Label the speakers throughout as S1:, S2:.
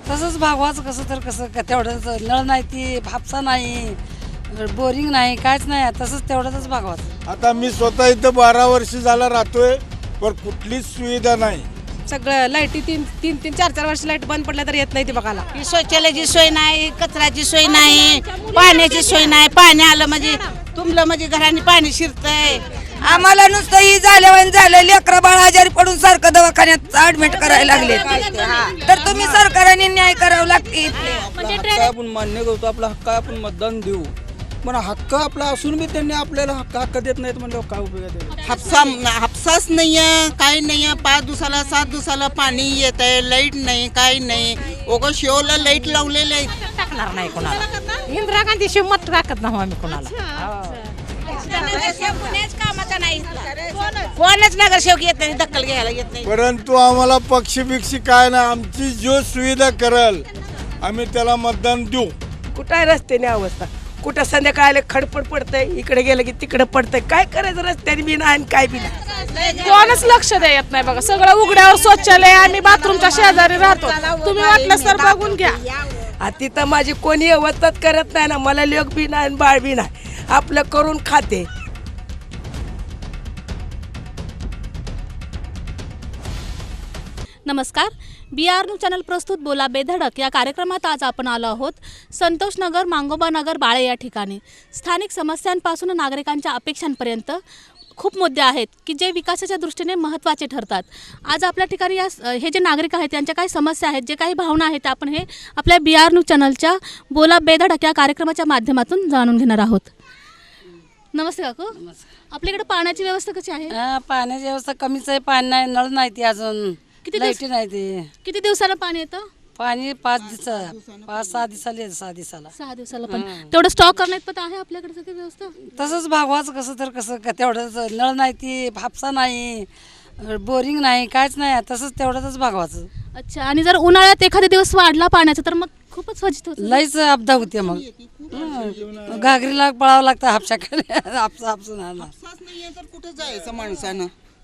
S1: तसंच भागवायचं कसं तर कसं का तेवढंच नळ नाही ती हापसा नाही बोरिंग नाही काहीच नाही तसंच तेवढंच भागवायचं.
S2: आता मी स्वतः इथं 12 वर्ष झाला राहतोय पण कुठलीच सुविधा नाही.
S3: सगळं लाईटी तीन 4 वर्ष लाईट बंद पडल्या तर येत नाही ती बघायला.
S4: शौचालयाची सोय नाही, कचऱ्याची सोय नाही, पाण्याची सोय नाही. पाणी आलं म्हणजे तुमलं म्हणजे घराने पाणी शिरतंय.
S5: आम्हाला नुसतं ही झालं लेकरं बाळ आजारी पडून सारखं दवाखान्यात ऍडमिट करायला लागले. तर तुम्ही सरकारने न्याय करावं लागते.
S6: हक्क आपण मान्य करतो, आपला हक्क आपण मतदान देऊ, पण हक्क आपला असून बी त्यांनी आपल्याला हक्क देत नाहीत म्हणल्यावर काय उपयोग आहे?
S4: हापसाच नाहीये, काही नाहीये. 5 दिवसाला 7 दिवसाला पाणी येत आहे, लाईट नाही, काही नाही. ओगं शेवला लाईट लावलेले आहेत.
S3: टाकणार नाही कोणाला. इंदिरा गांधी शिवमत टाकत नाही आम्ही कोणाला.
S4: कामाचा नाही, कोणच नगरसेवक येत नाही, दखल घ्यायला येत नाही.
S2: परंतु आम्हाला पक्षबिक्षी काय नाही, आमची जो सुविधा करल आम्ही त्याला मतदान देऊ.
S7: कुठं आहे रस्त्याने अवस्था, कुठं संध्याकाळला खडपड पडतंय, इकडे गेलं की तिकडे पडतंय. काय करायचं रस्त्याने बी नाही आणि काय बी नाही.
S3: कोणच लक्ष देत नाही बघा. सगळं उघड्यावर शौचालय. आम्ही बाथरूमच्या शेजारी राहतो. तुम्ही वाटलं तर बघून घ्या.
S7: तिथं माझी कोणी अवस्थाच करत नाही ना. मला लेक बी नाही आणि बाळ बी नाही. आपलं करून खाते.
S8: नमस्कार. BR न्यूज चॅनल प्रस्तुत बोला बेधडक या कार्यक्रमात आज आपण आलो आहोत संतोषनगर, मांगोबानगर, बाळे या ठिकाणी. स्थानिक समस्यांपासून नागरिकांच्या अपेक्षांपर्यंत खूप मुद्दे आहेत की जे विकासाच्या दृष्टीने महत्त्वाचे ठरतात. आज आपल्या ठिकाणी हे जे नागरिक आहेत त्यांच्या काही समस्या आहेत, जे काही भावना आहेत, आपण हे आपल्या BR न्यूज चॅनलच्या बोला बेधडक या कार्यक्रमाच्या माध्यमातून जाणून घेणार आहोत. नमस्ते काकू. आपल्याकडे पाण्याची व्यवस्था कशी आहे?
S1: पाण्याची व्यवस्था कमीच आहे. पाणी नाही, नळ नाही ती अजून, लाईटी नाही ती.
S8: किती दिवसाला पाणी येतं?
S1: पाणी 5-6 दिवसाला येतं. 6 दिवसाला
S8: पण तेवढं स्टॉक करण्यात पण आहे आपल्याकडे सगळी व्यवस्था.
S1: तसंच भागवायचं कसं तर कसं का तेवढंच नळ नाही ती हापसा नाही बोरिंग नाही काहीच नाही तसंच तेवढंच भागवायचं.
S8: अच्छा. आणि जर उन्हाळ्यात एखादा दिवस वाढला पाण्याचा तर मग खूपच फजित होतं.
S1: लईच अपदा होते. मग घागरीला पळावं लागतं हापशाकडे. हापसा
S4: नाहीये तर कुठं जायचं माणसानं?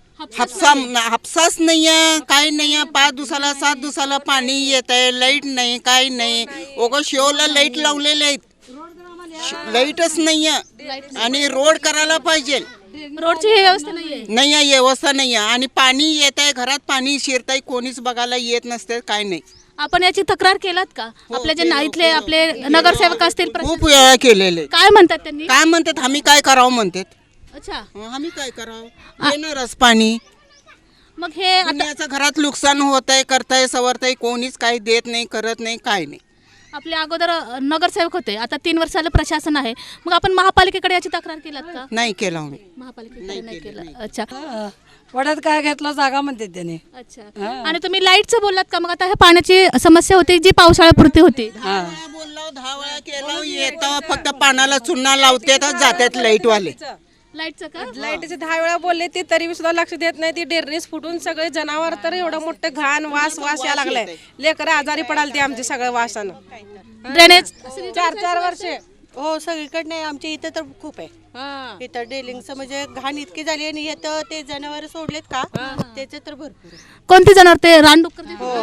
S4: हापसाच नाहीये, काही नाहीये. 5 दिवसाला 7 दिवसाला पाणी येत आहे, लाईट नाही, काही नाही. ओगं शेवला लाईट लावलेले आहेत, लाईटच नाहीये. आणि रोड करायला पाहिजे.
S8: रोडची ही व्यवस्था नाहीये.
S4: व्यवस्था नाहीये. आणि पाणी येत आहे, घरात पाणी शिरताय, कोणीच बघायला येत नसते, काय नाही.
S8: आपण याची तक्रार केलात का? आपले जे इथले आपले नगरसेवक असतील
S4: खूप वेळा केलेले.
S8: काय म्हणतात त्यांनी?
S4: काय म्हणतात, आम्ही काय करावं म्हणतात.
S8: अच्छा.
S4: आम्ही काय करावं? येणारच पाणी.
S8: मग हे
S4: याचं घरात नुकसान होत आहे, करताय सवरताय, कोणीच काही देत नाही, करत नाही, काय नाही.
S8: आपले अगोदर नगरसेवक होते, आता 3 वर्षाला प्रशासन आहे. मग आपण महापालिकेकडे याची तक्रार केलात का?
S4: नाही केलं आम्ही.
S8: महापालिकेकडे नाही केलं. अच्छा.
S1: वड्यात काय घेतलं जागा म्हणते त्याने.
S8: अच्छा. आणि तुम्ही लाईटचं बोललात का? मग आता ह्या पाण्याची समस्या होती जी पावसाळ्यापुरती होती.
S4: 10 वेळा केलं, येतं फक्त पाण्याला चुना लावते तर जातात लाईटवाले.
S8: लाईटचं का?
S3: लाईटीचे 10 वेळा बोलले ती तरी सुद्धा लक्ष देत नाही. ती डेरणीस फुटून सगळे जनावर तर एवढं मोठं घाण वास या लागलाय. लेकरं आजारी पडाल ती आमची सगळं वासानं.
S8: ड्रेनेज
S3: 4 वर्ष.
S9: हो सगळीकडे नाही, आमच्या इथं तर खूप आहे. इथं डेलिंगचं म्हणजे घाण इतकी झाली आणि येतं ते जनावर सोडलेत का त्याचे तर भरपूर.
S8: कोणती जनावर? ते रानडुक्कर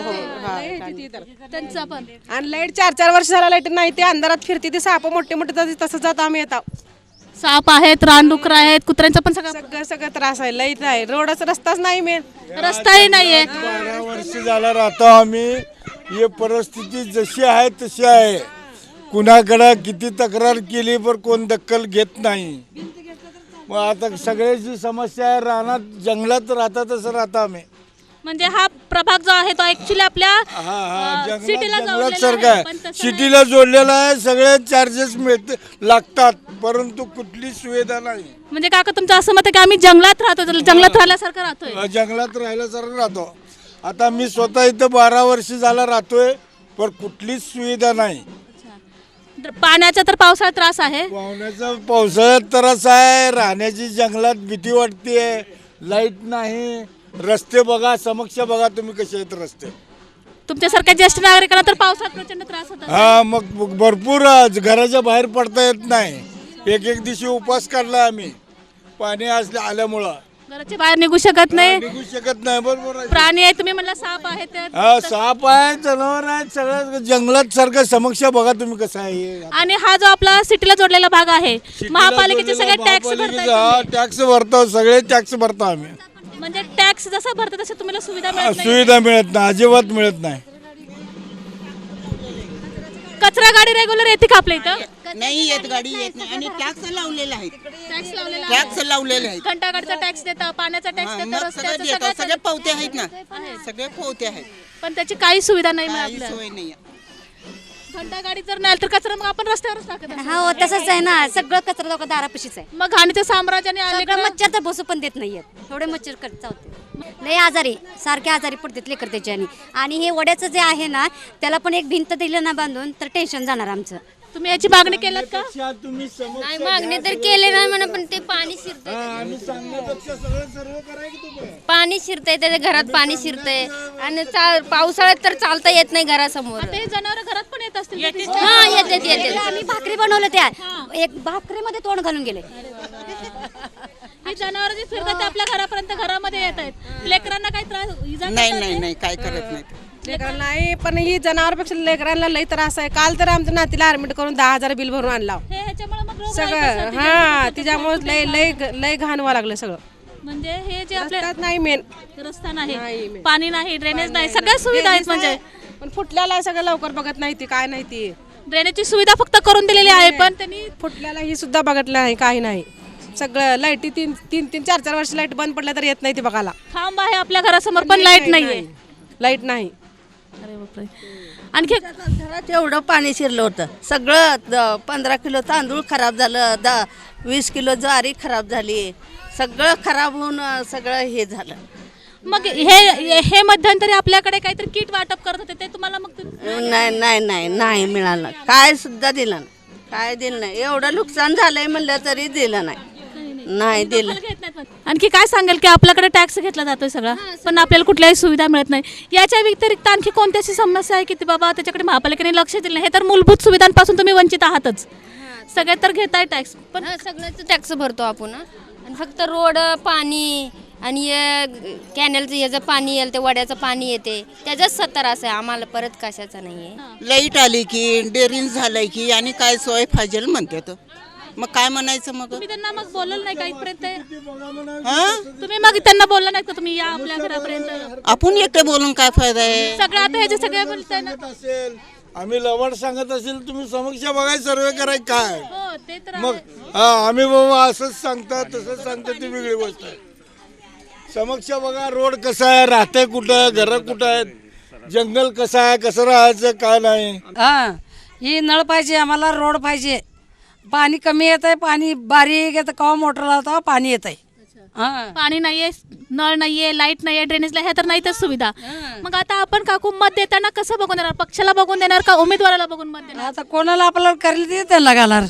S3: त्यांचं पण. आणि लाईट 4 वर्ष झाला लाईट नाही. ते अंधारात फिरते, ते साप मोठे मोठे तसं जात आम्ही येतात.
S8: साप आहेत, रानडुकर आहेत, कुत्र्यांचा पण
S3: सगळं त्रास आहे. लाईट नाही, रस्ताच नाही, मेन
S8: रस्ताही नाहीये.
S2: 12 वर्ष झाला राहतो आम्ही. ही परिस्थिती जशी आहे तशी आहे. कुणाकडे किती तक्रार केली पण कोण दखल घेत नाही. मग आता सगळ्याची समस्या आहे. रानात जंगलात राहतात तसं राहतो आम्ही.
S8: म्हणजे हा प्रभाग जो आहे तो ऍक्च्युली आपल्या सिटीला
S2: जंगलात सारखा आहे. सिटीला जोडलेला आहे. सगळे चार्जेस लागतात परंतु कुठली सुविधा नाही.
S8: म्हणजे काका तुमचं असं मत आहे की आम्ही जंगलात राहतो, जंगलात राहिल्यासारखं राहतोय.
S2: जंगलात राहिल्यासारखं राहतो. आता मी स्वतः इथं 12 वर्ष झाला राहतोय पण कुठलीच सुविधा नाही.
S8: पाण्याचा तर पावसाळ्यात त्रास आहे.
S2: पावसाळ्यात त्रास आहे. राहण्याची जंगलात भीती वाटते. लाईट नाही. रस्ते बघा, समक्ष बघा तुम्ही कसे आहेत रस्ते.
S8: तुमच्यासारख्या ज्येष्ठ नागरिकांना तर पावसाळ्यात प्रचंड त्रास होतो.
S2: मग भरपूर घराच्या बाहेर पडता येत नाही. एक दिवशी उपवास काढला आम्ही पाणी आल्यामुळं.
S8: घराच्या बाहेर निघू शकत नाही.
S2: निघू शकत नाही. बरोबर आहे.
S8: प्राणी आहे तुम्ही म्हणला साप आहे ते.
S2: हा, साप आहे, जनावर आहे, सगळं जंगलात सारखं समक्ष बघा तुम्ही कसं आहे हे.
S8: आणि हा जो आपला सिटीला जोडलेला भाग आहे महापालिकेचे सगळे टॅक्स भरतात.
S2: टॅक्स भरतो, सगळे टॅक्स भरतो आम्ही.
S8: म्हणजे टॅक्स जसा भरतात तसं तुम्हाला सुविधा मिळत नाही.
S2: सुविधा मिळत नाही, अजिबात मिळत नाही.
S8: कचरा गाडी रेग्युलर येते का आपल्या इथं?
S4: नाही येत, गाडी येत नाही. आणि टॅक्स लावलेला आहे,
S8: टॅक्स लावलेला
S4: टॅक्स लावलेले आहेत.
S8: घंटागाडीचा टॅक्स देतं, पाण्याचा टॅक्स
S4: हा,
S8: देतं,
S4: मग सगळं
S8: रस्त्याचं
S4: देतात.
S8: सगळं
S4: सगळे पोवते आहेत ना, सगळे पोवते आहेत.
S8: पण त्याची काही सुविधा नाही
S4: काही
S8: आपल्याला.
S4: सोय नाही.
S8: घंटागाडी जर नाही आली तर कचरा मग आपण रस्त्यावरच टाकत असतो.
S10: हो तसंच आहे ना, सगळं कचरा लोक दारापाशीच आहे.
S8: मग घाणीच्या साम्राज्याने आले
S10: सगळं मच्छर तर बसू पण देत नाहीयेत, एवढे मच्छर करत होते. लय आजारी, सारखे आजारी पडतात लेकर त्याच्याने. आणि हे वड्याचं जे आहे ना, त्याला पण एक भिंत दिलं ना बांधून तर टेन्शन जाणार आमचं.
S8: तुम्ही याची मागणी केलात का?
S2: तुम्ही समक्ष
S10: नाही मागणी तर केले नाही म्हणा, पण ते पाणी शिरतंय,
S2: आम्ही सांगण्यापेक्षा सगळं सर्व करायचं तुम्ही.
S10: पाणी शिरतंय त्याच्या घरात, पाणी शिरतंय. आणि पावसाळ्यात तर चालता येत नाही घरासमोर.
S8: ते जनावर घरात पण येत असतील.
S10: हा येते. आम्ही भाकरी बनवलं, त्या एक भाकरीमध्ये तोंड घालून गेले.
S8: ही जनावर जी फिरतात ते आपल्या घरापर्यंत घरामध्ये येत आहेत. लेकरांना काही त्रास इजा
S4: नाही
S8: करतात
S4: नाही
S8: ते?
S4: नाही, काय करत नाही.
S3: लेकरांना नाही, पण ही जनावरपेक्षा लेकरांना लई त्रास आहे. काल तर आमच्या नातीला ऍडमिट करून 10,000 बिल भरून आणला
S8: हे ह्याच्यामुळे मग रोग
S3: सगळं. हा, तिच्यामुळे लय लय लय घाण व्हावं लागलं सगळं.
S8: म्हणजे हे जे आपल्या
S3: रस्त्यात नाही मेन,
S8: रस्ता नाही, पाणी नाही, ड्रेनेज नाही, सगळ्या सुविधा आहेत. म्हणजे
S3: पण फुटल्याला सगळं लवकर बघत नाही ती, काय नाही ती.
S8: ड्रेनेजची सुविधा फक्त करून दिलेली आहे, पण त्यांनी
S3: फुटल्याला ही सुद्धा बघितलं नाही, काही नाही. सगळं लाईटी 3-4 वर्ष लाईट बंद पडल्या तर येत नाही ती बघायला.
S8: खांब आहे आपल्या घरासमोर पण लाईट नाहीये.
S3: लाईट नाही.
S8: अरे बापरे. आणखी
S1: घरात एवढं पाणी शिरलं होतं. सगळं 15 किलो तांदूळ खराब झालं, 20 किलो ज्वारी खराब झाली, सगळं खराब होऊन सगळं हे झालं.
S8: मग हे मध्यंतरी आपल्याकडे काहीतरी किट वाटप करत होते ते तुम्हाला मग
S1: नाही मिळालं, काय सुद्धा दिलं नाही, काय दिलं नाही. एवढं नुकसान झालंय म्हणलं तरी दिलं नाही दिलं.
S8: घेत नाहीत मग. आणखी काय सांगाल की आपल्याकडे टॅक्स घेतला जातोय सगळा, पण आपल्याला कुठल्याही सुविधा मिळत नाही. याच्या व्यतिरिक्त आणखी कोणती अशी समस्या आहे की बाबा त्याच्याकडे महापालिकेने लक्ष दिलं नाही? हे तर मूलभूत सुविधांपासून तुम्ही वंचित आहातच. सगळे तर घेताय टॅक्स, पण
S10: सगळ्याच टॅक्स भरतो आपण. आणि फक्त रोड, पाणी आणि कॅनलचं याचं पाणी येईल, ते वड्याचं पाणी येते, त्याच्याच 70 असं आहे. आम्हाला परत कशाचं नाही आहे.
S4: लाईट आली की, डेअरिंग झालंय की, आणि काय सोय पाहिजे म्हणते तर मग काय म्हणायचं मग.
S8: तुम्ही त्यांना मग बोललं नाही का इथपर्यंत?
S4: हा,
S8: तुम्ही मग त्यांना बोलला नाही का तुम्ही या आपल्या घरापर्यंत?
S4: आपण एकटे बोलून काय फायदा आहे.
S8: सगळं आता हे जे सगळे बोलताय ना.
S2: असेल आम्ही लवड सांगत असेल, तुम्ही समक्ष बघाय सर्वे कराय काय.
S8: हो ते तर
S2: मग हा, आम्ही बाबा असंच सांगता तसंच सांगता ती वेगळी गोष्ट आहे. समक्ष बघा, रोड कसा आहे, राहते कुठं, घर कुठं आहेत, जंगल कसं आहे, कसं राहायचं काय नाही.
S1: हा, ही नळ पाहिजे आम्हाला, रोड पाहिजे. पाणी कमी येत आहे, पाणी बारीक येतं, केव्हा मोटर लावता पाणी येत आहे. हा,
S8: पाणी नाहीये, नळ नाहीये, लाईट नाहीये, ड्रेनेजला ह्या तर नाहीतच सुविधा. मग आता आपण काकू मत देताना कसं बघून देणार? पक्षाला बघून देणार का उमेदवाराला बघून मत देणार?
S1: आता कोणाला आपल्याला करेल ते त्यांना घालणार.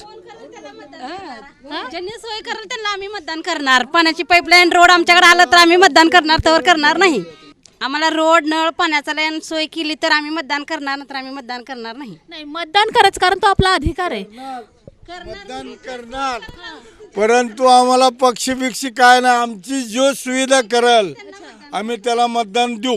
S9: ज्यांनी सोय करेल त्यांना आम्ही मतदान करणार. पाण्याची पाईपलाईन, रोड आमच्याकडे आलं तर आम्ही मतदान करणार, तर करणार नाही. आम्हाला रोड, नळ, पाण्याचा लाईन सोय केली तर आम्ही मतदान करणार, तर आम्ही मतदान करणार नाही.
S8: नाही, मतदान करायचं कारण तो आपला अधिकार आहे.
S2: मतदान करणार, परंतु आम्हाला पक्ष बिक्षी काय नाही. आमची जो सुविधा करल आम्ही त्याला मतदान देऊ.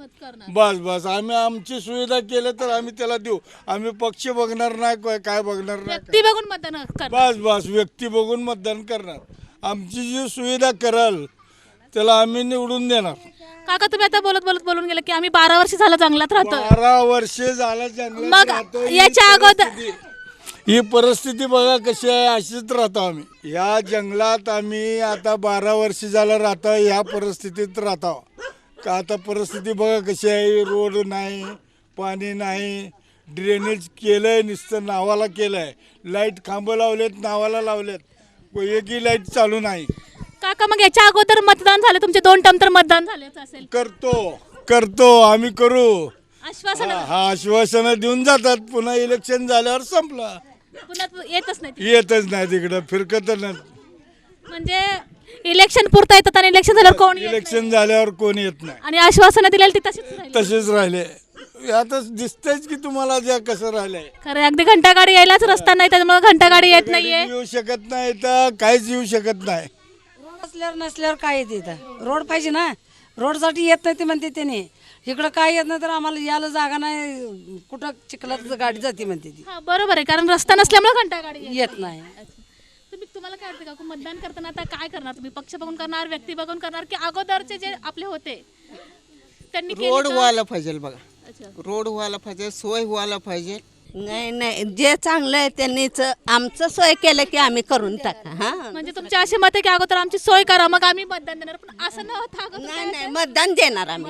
S2: बस आम्ही आमची सुविधा केलं तर आम्ही त्याला देऊ. आम्ही पक्ष बघणार नाही, काय बघणार नाही.
S8: व्यक्ती बघून मतदान करणार.
S2: बस व्यक्ती बघून मतदान करणार. आमची जी सुविधा करल त्याला आम्ही निवडून देणार.
S8: काका तुम्ही आता बोलून गेले की आम्ही 12 वर्ष झालं जंगलात राहतो.
S2: 12 वर्षे झालं जंगलात
S8: मग
S2: राहतो.
S8: याच्या अगोदर
S2: ही परिस्थिती बघा कशी आहे, अशीच राहतो आम्ही या जंगलात. आम्ही आता 12 वर्ष झालं राहतो, ह्या परिस्थितीत राहतो. का आता परिस्थिती बघा कशी आहे, रोड नाही, पाणी नाही, ड्रेनेज केलंय नुसतं नावाला केलंय, लाईट खांबं लावलेत नावाला लावलेत, एकही लाईट चालू नाही.
S8: काका मग याच्या अगोदर मतदान झालं तुमचे 2 टर्म तर मतदान झालेच असेल.
S2: करतो आम्ही करू.
S8: आश्वासन
S2: हा, आश्वासनं देऊन जातात, पुन्हा इलेक्शन झाल्यावर संपला,
S8: पुन्हा येतच नाही.
S2: येतच नाही तिकडं, फिरकत नाही.
S8: म्हणजे इलेक्शन पुरता येतात आणि इलेक्शन झाल्यावर कोण येत नाही.
S2: इलेक्शन झाल्यावर कोण येत नाही.
S8: आणि आश्वासनं दिलेली ती तशीच राहिली.
S2: तसेच राहिले. आता दिसतंयच की तुम्हाला ज्या कसं राहिलंय.
S8: खरं अगदी घंटागाडी यायलाच रस्ता नाही, त्याच्यामुळे घंटागाडी येत नाहीये.
S2: येऊ शकत नाही तर काहीच येऊ शकत नाही.
S5: असल्यावर नसल्यावर काय येते इथं रोड पाहिजे ना रोडसाठी येत नाही ते म्हणते त्याने इकडं काय येत नाही तर आम्हाला यायला जागा नाही कुठं चिखलात गाडी जाते म्हणते ती
S8: हा बरोबर आहे कारण रस्ता नसल्यामुळे घंटा गाडी
S5: येत नाही
S8: तुम्हाला काय वाटतं का मतदान करताना आता काय करणार तुम्ही पक्ष बघून करणार व्यक्ती बघून करणार की अगोदरचे जे आपले होते त्यांनी केली
S4: रोड
S8: का?
S4: व्हायला पाहिजे बघा
S8: अच्छा.
S4: रोड व्हायला पाहिजे सोय व्हायला पाहिजे
S1: नाही नाही जे चांगलं आहे त्यांनीच आमचं सोय केलं की आम्ही करून टाका हा
S8: म्हणजे तुमची अशी मत आहे की अगोदर आमची सोय करा मग आम्ही मतदान देणार पण असं न होता अगोदर
S1: नाही नाही मतदान देणार आम्ही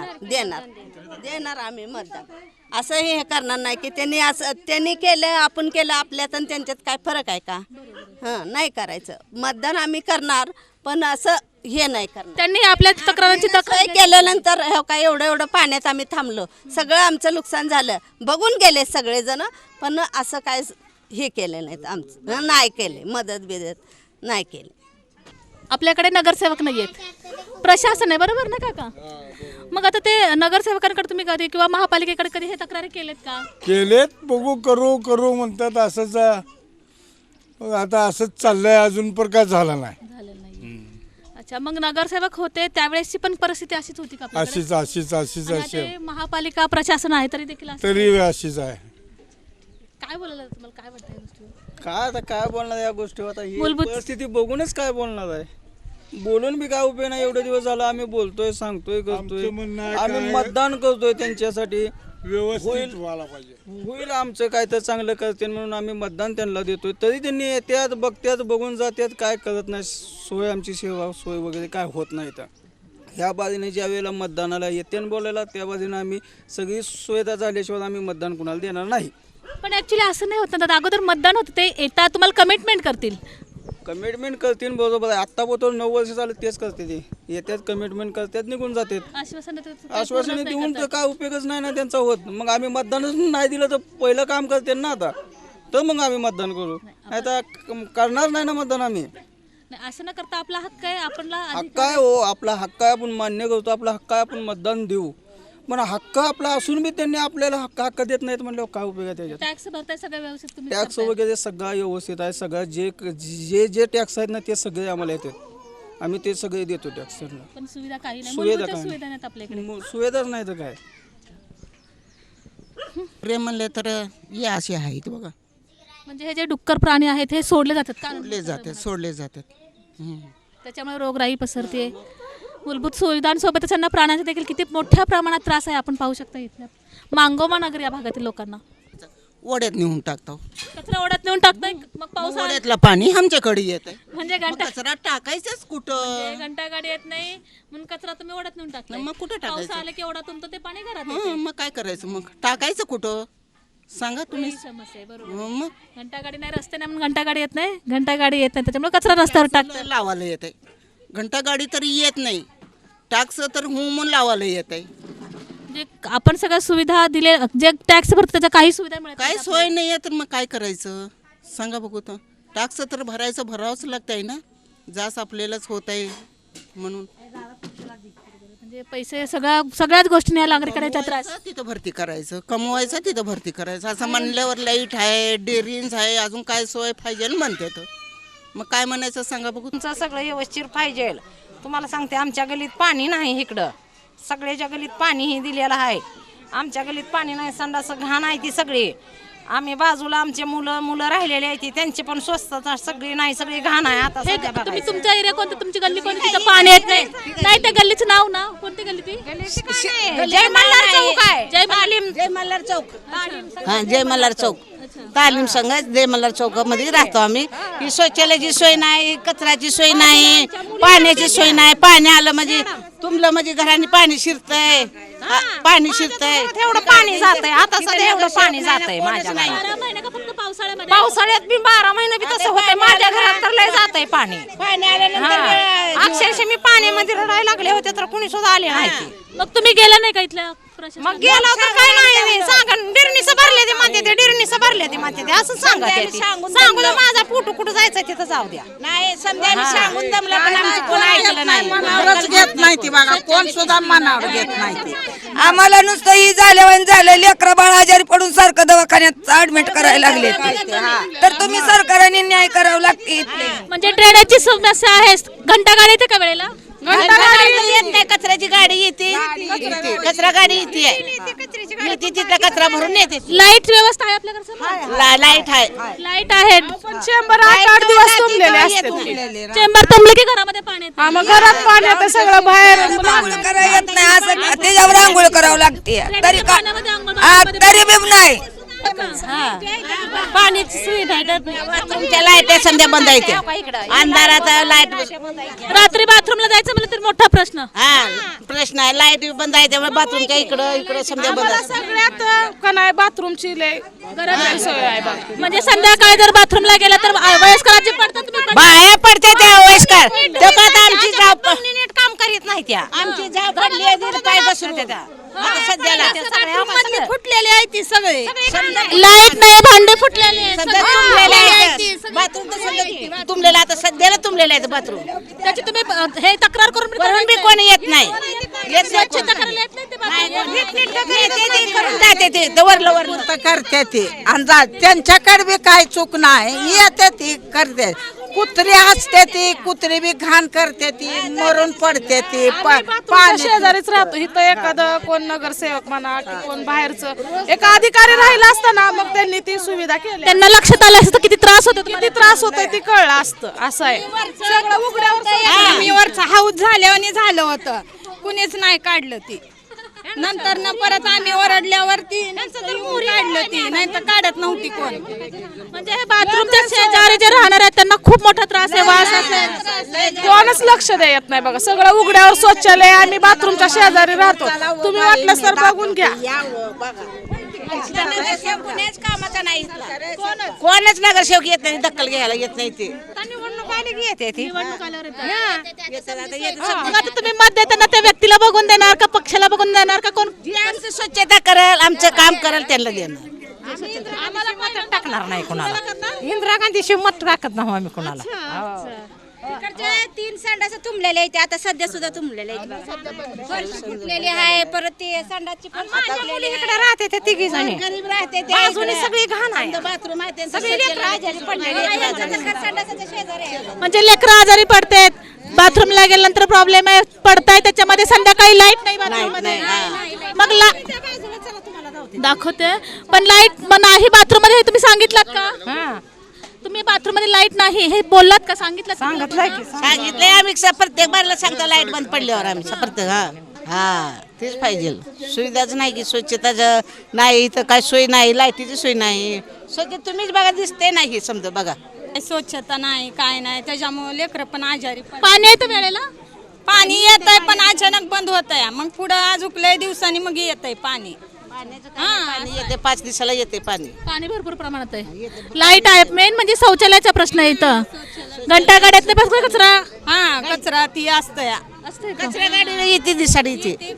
S1: देणार आम्ही मतदान असं हे करणार नाही की त्यांनी केलं आपण केलं आपल्यात आणि त्यांच्यात काय फरक आहे का हां नाही करायचं मतदान आम्ही करणार पण असं हे नाही करणार
S8: त्यांनी आपल्या तक्रारांची
S1: सोय केल्यानंतर हो काय एवढं पाण्यात आम्ही थांबलो सगळं आमचं नुकसान झालं बघून गेले सगळेजण पण असं काय हे केलं नाहीत आमचं नाही केले मदत बिदत नाही केली
S8: आपल्याकडे नगरसेवक नाही आहेत प्रशासन आहे बरोबर ना काका मग आता ते नगरसेवकांकडे तुम्ही कधी किंवा महापालिकेकडे कधी हे तक्रारी केलेत का
S2: केलेत बघू करू म्हणतात असंच मग आता असंच चाललंय अजून पण काय झालं नाही
S8: झालेलं नाही अच्छा मग नगरसेवक होते त्यावेळेसची पण परिस्थिती अशीच होती का आपल्याकडे?
S2: अशीच
S8: आणि आता हे महापालिका प्रशासन आहे तरी देखील असं-
S2: तरी अशीच आहे
S8: काय बोलायला तुम्हाला काय वाटतं या गोष्टीवर
S6: काय आता काय बोलणार या गोष्टीवर आता ही
S8: मूलभूत-
S6: परिस्थिती बघूनच काय बोलणार आहे बोलून बी काय उपयोग नाही एवढे दिवस झाला आम्ही बोलतोय सांगतोय करतोय
S2: आमचं म्हणणं आहे
S6: आम्ही
S2: काय?
S6: मतदान करतोय त्यांच्यासाठी
S2: व्यवस्थित व्हायला पाहिजे
S6: होईल आमचं काय तर चांगलं करते म्हणून आम्ही मतदान त्यांना देतोय तरी त्यांनी येत्यात बघत्यात बघून जात्यात काय करत नाही सोय आमची सेवा सोय वगैरे काय होत नाही तर ह्या बाजूने ज्या वेळेला मतदानाला येते बोलायला त्या बाजूने आम्ही सगळी सुविधा झाल्याशिवाय आम्ही मतदान कुणाला देणार नाही
S8: पण ऍक्च्युली असं नाही होत ना अगोदर मतदान होतं ते येतात तुम्हाला कमिटमेंट करतील
S6: कमिटमेंट करतील बरोबर आहे आत्ता बोलतो 9 वर्ष झालं तेच करते ते येतात कमिटमेंट करतात निघून जातात
S8: आश्वासन देतात,
S6: आश्वासने
S8: पूर्णच नाही
S6: देऊन
S8: करतात.
S6: तर काय उपयोगच नाही ना त्यांचा होत मग आम्ही मतदानच नाही दिलं तर पहिलं काम करते ना आता तर मग आम्ही मतदान करू नाही तर करणार नाही ना मतदान आम्ही
S8: नाही, असं न करता आपला हक्क आहे आपला
S6: हक्क आहे हो आपला हक्क आहे आपण मान्य करतो आपला हक्क आहे आपण मतदान देऊ पण हक्क आपला असून बी त्यांनी आपल्याला हक्क देत नाहीत म्हणल्यावर काय उपयोग आहे त्याच्यात
S8: टॅक्स भरताय सगळं व्यवस्थित तुम्ही
S6: टॅक्स वगैरे सगळं व्यवस्थित आहे सगळं जे टॅक्स आहेत ना ते सगळे आम्हाला येतात आम्ही ते सगळे देतो टॅक्स
S8: पण सुविधा काही नाही
S6: सुविधा
S8: मूलभूत
S6: काही
S8: सुविधा नाहीत आपल्याकडे
S6: सुविधाच नाही तर काय
S4: प्रेम म्हणले तर हे असे आहेत बघा
S8: म्हणजे हे जे डुक्कर प्राणी आहेत हे सोडले जातात का
S4: सोडले जातात
S8: त्याच्यामुळे रोगराई पसरते मूलभूत सुविधांसोबतच त्यांना प्राण्यांचा देखील किती मोठ्या प्रमाणात त्रास आहे आपण पाहू शकता इथल्या मांगोमा नगर या भागातील लोकांना
S4: ओढ्यात नेऊन टाकतो
S8: कचरा ओढ्यात नेऊन टाकताय मग पावसाळ्यात
S4: ओढ्यातलं पाणी आमच्याकडे येत आहे
S8: म्हणजे घंटा
S4: कचरा टाकायचंच कुठं
S8: घंटा गाडी येत नाही म्हणून कचरा तुम्ही ओढ्यात नेऊन टाकताय
S4: मग कुठं टाकायचं?
S8: पाऊस आला की ओढा तुमचं ते पाणी घरात येते.
S4: मग काय करायचं मग टाकायचं कुठं सांगा तुम्ही
S8: ही समस्या आहे बरोबर
S4: मग
S8: घंटा गाडी नाही रस्ते नाही म्हणून घंटा गाडी येत नाही घंटा गाडी येत नाही त्याच्यामुळे कचरा रस्त्यावर टाकतात
S4: लावायला येत आहे घंटा गाडी तरी येत नाही टॅक्स तर म्हणून लावायला येत आहे
S8: म्हणजे आपण सगळ्या सुविधा दिले जे टॅक्स भरतो त्याच्या काही सुविधा मिळत
S4: काय
S8: नाहीत
S4: सोय नाही आहे तर मग काय करायचं सांगा बघू तर टॅक्स तर भरावंच लागत आहे ना जास्त आपल्यालाच होत आहे म्हणून
S8: म्हणजे पैसे सगळ्याच गोष्टी या नागरिकांना त्रास
S4: तिथं भरती करायचं कमवायचं तिथं भरती करायचं असं म्हणल्यावर लाईट आहे डेअरिंग आहे अजून काय सोय पाहिजे म्हणते तर मग काय म्हणायचं सांगा बघू
S5: तुमचं सगळं व्यवस्थित पाहिजे तुम्हाला सांगते आमच्या गलीत पाणी नाही इकडं सगळ्याच्या गलीत पाणीही दिलेलं आहे आमच्या गलीत पाणी नाही संडास घाण आहे ती सगळी आम्ही बाजूला आमचे मुलं राहिलेले आहेत त्यांची पण स्वस्तता सगळी नाही सगळी घाण आहे आता
S8: हे
S5: सध्या
S8: तुम्ही
S5: बघायचं.
S8: तुमच्या एरिया कोणतं तुमची गल्ली कोणती तिथं पाणी येत नाही नाही त्या गल्लीचं नाव ना कोणती गल्ली ती
S5: जय मल्हार चौक आहे
S1: जय मल्हार चौक हां जय मल्हार चौक तालीम संघ जय मल्हार चौकामध्ये राहतो आम्ही ही शौचालयाची सोय नाही कचऱ्याची सोय नाही पाण्याची सोय नाही पाणी आलं म्हणजे तुमलं म्हणजे घराने पाणी शिरतंय पाणी शिरतंय
S5: एवढं पाणी जातंय आता सध्या एवढं पाणी जातंय माझ्या घरात
S8: 12 महिने का फक्त पावसाळ्यामध्ये
S5: पावसाळ्यात बी 12 महिने बी तसं होतंय माझ्या घरात तर लय जातंय पाणी अक्षरशः मी पाण्यामध्ये रडायला लागले होते तर कुणी सुद्धा आले नाही
S8: मग तुम्ही गेला नाही का इथल्या
S5: मग गेला तर काय नाही सांगा डिरणीचं भरले ते म्हणते ते डिरणीचं भरले ते म्हणते ते असं सांगा सांगू दे माझा फोटो कुठं जायचं तिथं जाऊ द्या
S1: नाही समजा आम्ही सांगून दमलं पण आमचं कोण ऐकलं नाही
S4: मनावरच घेत नाही ती बघा, कोण सुद्धा मनावर घेत नाही ती.
S7: आम्हाला नुसतं ही झाल्यावर झालं लेकरं बाळ आजारी पडून सारखं दवाखान्यात ऍडमिट करायला लागले तर तुम्ही सरकारने न्याय करावं लागते.
S8: म्हणजे ड्रेनेजची समस्या आहे. घंटा गाडी येते का वेळेला?
S1: येत नाही, कचऱ्याची गाडी येते कचरा गाडी येते तिथं कचरा भरून येते.
S8: लाईट व्यवस्था आहे आपल्याकडे?
S1: लाईट आहे
S8: लाईट आहे.
S3: चेंबर 8 दिवस तुंबलेले असते.
S8: चेंबर तुंबले की घरामध्ये पाणी येतं?
S3: हा, मग घरात पाणी येतं सगळं बाहेर.
S7: आंघोळ करायला येत नाही असं त्याच्यावर आंघोळ करावं लागते तरी का
S8: पाण्यामध्ये आंघोळ
S7: तरी बी नाही.
S8: पाण्याची सुविधा आहे.
S1: तुमच्या लाईट संध्या बंद येते अंधारात लाईट
S8: रात्री बाथरूमला जायचं म्हणलं तर मोठा प्रश्न.
S1: हा प्रश्न आहे लाईट बंद आहे त्यामुळे बाथरूमच्या इकडं समजा बंद असते.
S3: सगळ्यात का नाही बाथरूमची लय गरज सोय आहे बघ.
S8: म्हणजे संध्याकाळी जर बाथरूमला गेला तर वयस्करांची पडतात. तुम्ही
S1: बाया पडते त्या वयस्कर तो का आता आमची जाव
S5: नीट काम करीत नाही त्या
S1: आमची जाव पडली आहे, तिथं पाय बसून त्या आता सध्याला
S5: फुटलेले आहे ती सगळे
S8: लाईट नाही, भांडे फुटलेले आहेत.
S1: समजा तुंबलेले आहेत बाथरूम तर समजा तुंबलेलं आता सध्याला तुंबलेलं आहे बाथरूम
S8: त्याची तुम्ही हे तक्रार करून
S1: बी कोणी येत नाही येत नाही कोणी.
S8: करायला येत नाही ते bathroom.
S1: येते ते करून जाते ते वरलं वरलं
S4: करते ती अंदाज त्यांच्याकडे बी काय चूक नाही येते ती करते. कुत्री हसते ती कुत्री बी घाण करते ती मरून पडते ती
S3: पाणी शेजारीच राहतो इथं एखादं कोण नगरसेवक म्हणा की कोण बाहेरचं एक अधिकारी राहिला असतं ना मग त्यांनी ती सुविधा केली.
S8: त्यांना लक्षात आलं असतं किती त्रास होतो
S3: किती त्रास होतोय ती कळलं असतं. असं आहे सगळं उघड्यावर
S5: वरचा हाऊस झाल्यावर झालं होतं कुणीच नाही काढलं ती नंतर परत आम्ही ओरडल्यावरती काढलं ती नाही तर काढत नव्हती कोण.
S8: म्हणजे हे बाथरूमच्या शेजारी जे राहणार आहेत त्यांना खूप मोठा त्रास आहे, वास असेल.
S3: कोणच लक्ष देत नाही बघा सगळं उघड्यावर शौचालय आम्ही बाथरूमच्या शेजारी राहतो. तुम्ही वाटलं तर बघून घ्या.
S1: कुणाच कामाचा नाही कोणच नगरसेवक येत नाही दखल घ्यायला येत नाही ते
S5: निवडणूक आली की येते ती
S8: मग आता तुम्ही मत देताना त्या व्यक्तीला बघून देणार का पक्षाला बघून देणार का कोण?
S1: आमचं स्वच्छता करेल आमचं काम करेल त्यांना देणार.
S5: आम्हाला मत टाकणार नाही कोणाला. इंदिरा गांधी शिव मत टाकत नाही आम्ही कोणाला.
S9: इकडचे 3 संडास तुंबलेले आहेत आता सध्या सुद्धा तुंबलेले आहेत बघा. फरशी फुटलेली आहे परत ते संडासची पण फुटलेली आहे.
S5: इकडे राहते ते तिघी जणी
S1: गरीब राहते ते
S5: बाजूने सगळी घाण आहे
S1: बाथरूम आहे त्यांचं
S5: सगळी लेकरं आजारी पडलेली आहेत.
S9: संडासाच्या शेजारी आहे.
S8: म्हणजे लेकरं आजारी पडतात बाथरूमला गेल्यानंतर प्रॉब्लेम आहे पडताय त्याच्यामध्ये संध्याकाळी लाईट नाही बाथरूम मध्ये मग दाखवते पण लाईट नाही बाथरूम मध्ये हे तुम्ही सांगितलं का? तुम्ही बाथरूम मध्ये लाईट नाही हे बोललात का? सांगितलं
S1: सांगितलंय आम्ही प्रत्येक बारला सांगतो लाईट बंद पडल्यावर आम्ही प्रत्येक हा तेच पाहिजे सुविधाच नाही की स्वच्छता नाही इथं काय सोय नाही लाईटीची सोय नाही स्वच्छ तुम्हीच बघा दिसते नाही समजा बघा
S9: स्वच्छता नाही काय नाही त्याच्यामुळे लेकरं पण आजारी
S8: पाणी येतं वेळेला
S9: पाणी येत आहे पण अचानक बंद होत आहे मग पुढं अजून लय दिवसांनी मग येत आहे पाणी.
S1: पाणी येते 5 दिवसाला येते
S8: पाणी भरपूर प्रमाणात आहे. लाईट आहे मेन म्हणजे शौचालयाचा प्रश्न आहे इथं. घंटा गाड्यातले बस कचरा
S9: कचरा ती असतंय
S1: कचरा गाडी येते दिसाडी येते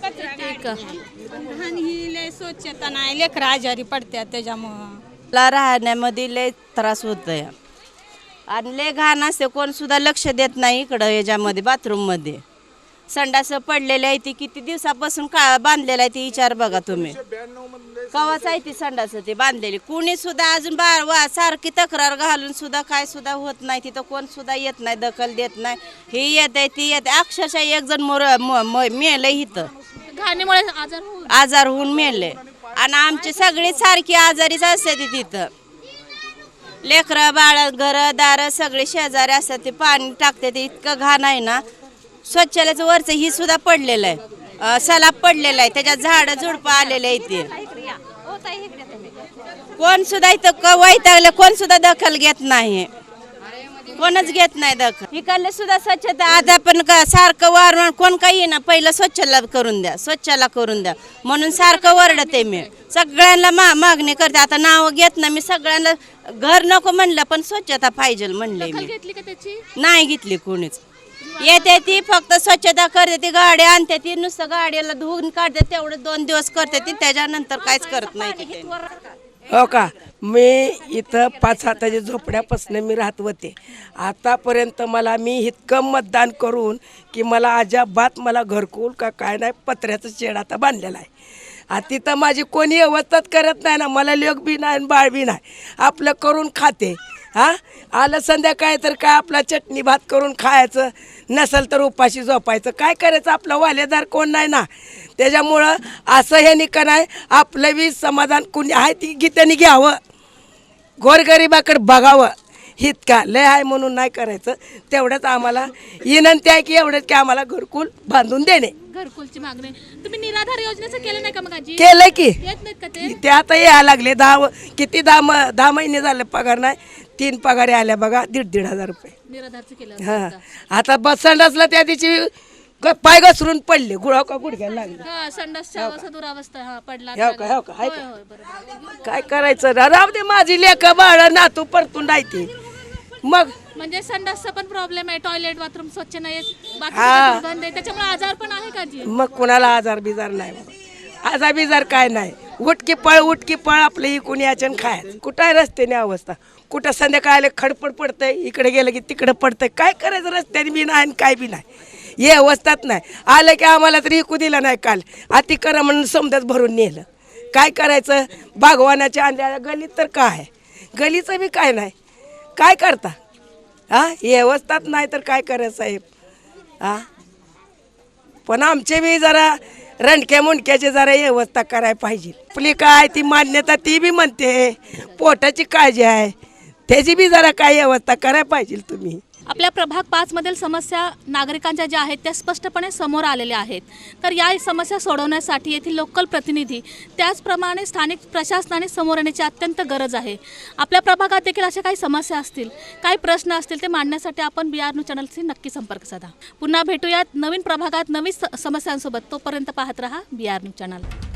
S9: ही लय स्वच्छता नाही लेकरं आजारी पडतात त्याच्यामुळं.
S5: मला राहण्यामध्ये लय त्रास होतोय आणि लय घाण असते कोण सुद्धा लक्ष देत नाही इकडं याच्यामध्ये बाथरूम मध्ये संडास पडलेले आहे ती किती दिवसापासून का बांधलेलं आहे ती विचार बघा तुम्ही कवाच आहे ती संडास ती बांधलेली कुणी सुद्धा अजून सारखी तक्रार घालून सुद्धा काय सुद्धा होत नाही तिथं कोण सुद्धा येत नाही दखल देत नाही ही येत आहे ती येत अक्षरशः एक जण मेलंय इथं
S8: घाणीमुळे
S5: आजार होऊन मेले आणि आमची सगळी सारखी आजारीच असते ती तिथं लेकरं बाळ घरदार सगळे शेजारी असतात ते पाणी टाकते ते इतकं घाण आहे ना. स्वच्छालयाचं वरचं ही सुद्धा पडलेलं आहे सलाब पडलेला आहे त्याच्यात झाडं झुडपं आलेलं आहे ते कोण सुद्धा इथं वैतागलं कोण सुद्धा दखल घेत नाही कोणच घेत नाही दखल. इकडले सुद्धा स्वच्छता आता पण सारखं वारवण कोण काही ना पहिलं स्वच्छला करून द्या म्हणून सारखं वरडते मी सगळ्यांना मागणी करते. आता नाव घेत ना मी सगळ्यांना घर नको म्हणलं पण स्वच्छता पाहिजे म्हणले मी
S8: घेतली का त्याची
S5: नाही घेतली कोणीच.
S9: येते ती फक्त स्वच्छता करते ती, गाड्या आणते ती, नुसतं गाड्याला धुवून काढते, तेवढं 2 दिवस करते ती, त्याच्यानंतर काहीच करत नाही ती.
S11: हो का, मी इथं 5 हाताच्या झोपड्यापासून मी राहत होते. आतापर्यंत मी इतकं मतदान करून की मला अजाबात मला घरकुल का काय नाही, पत्र्याचं शेड आता बांधलेलं आहे. तिथं माझी कोणी व्यवस्थाच करत नाही ना, मला लेक बी नाही आणि बाळ बी नाही, आपलं करून खाते. आलं संध्याकाळी तर काय आपला चटणी भात करून खायचं, नसेल तर उपाशी झोपायचं. काय करायचं, आपलं वालेदार कोण नाही ना. त्याच्यामुळं असं हे निकन आहे, आपलं बी समाधान कुणी आहे ती त्यांनी घ्यावं, गोरगरिबाकडे बघावं. इतका लय आहे म्हणून नाही करायचं. तेवढंच आम्हाला विनंती आहे की एवढंच की आम्हाला घरकुल बांधून देणे.
S8: घरकुलची मागणी तुम्ही निराधार योजनेचं केलं नाही का मग आजी?
S11: केलं की
S8: येत नाहीत का
S11: ते आता यायला लागले. 10 महिने झाले पगार नाही. 3 पगार आल्या बघा, 1,500 रुपये.
S8: निराधारचं केलं
S11: हां, आता बस संडासला त्या दिवशी पाय घसरून पडले, गुडघ्याला लागले.
S8: संडासच्या अवस्था दुरावस्था पडला.
S11: हो का हाय का? काय करायचं, राहू दे, माझी लेकं बाळ नातू परतून राहते. मग
S8: म्हणजे संडासचा पण प्रॉब्लेम आहे, टॉयलेट बाथरूम स्वच्छ नाही, दुर्गंध आहे, त्याच्यामुळे आजार पण आहे का जी?
S11: मग कुणाला आजार बिजार नाही, आजार बिजार काय नाही. उठकी पळ आपलं इकून याच्यानं खायचं. कुठं आहे रस्त्याने अवस्था, कुठं संध्याकाळी खडपड पडतंय, इकडे गेलं की तिकडं पडतंय. काय करायचं, रस्त्याने बी नाही आणि काय बी नाही, हे अवस्थात नाही. आलं की आम्हाला तरी इकू दिलं नाही, काल अति करा म्हणून समजाच भरून नेलं. काय करायचं, बागवानाच्या आणल्या गलीत तर काय, गलीचं बी काय नाही. काय करता, हे अवस्थात नाही तर काय करायचं साहेब. पण आमचे बी जरा रणक्या मुंडक्याची जरा व्यवस्था करायला पाहिजे. आपली काय ती मान्यता ती बी म्हणते, पोटाची काळजी आहे, त्याची बी जरा काय व्यवस्था करायला पाहिजे तुम्ही.
S8: आपल्या प्रभाग 5 मधील समस्या नागरिकांच्या ज्या आहेत त्या स्पष्टपणे समोर आलेल्या आहेत. तर या समस्या सोडवण्यासाठी येथील लोकल प्रतिनिधी त्याचप्रमाणे स्थानिक प्रशासनाने समोर येण्याची अत्यंत गरज आहे. आपल्या प्रभागात देखील अशा काही समस्या असतील, काही प्रश्न असतील, ते मांडण्यासाठी आपण BR न्यूज चॅनलशी नक्की संपर्क साधा. पुन्हा भेटूयात नवीन प्रभागात नवीन समस्यांसोबत. तोपर्यंत पाहत रहा BR न्यूज चॅनल.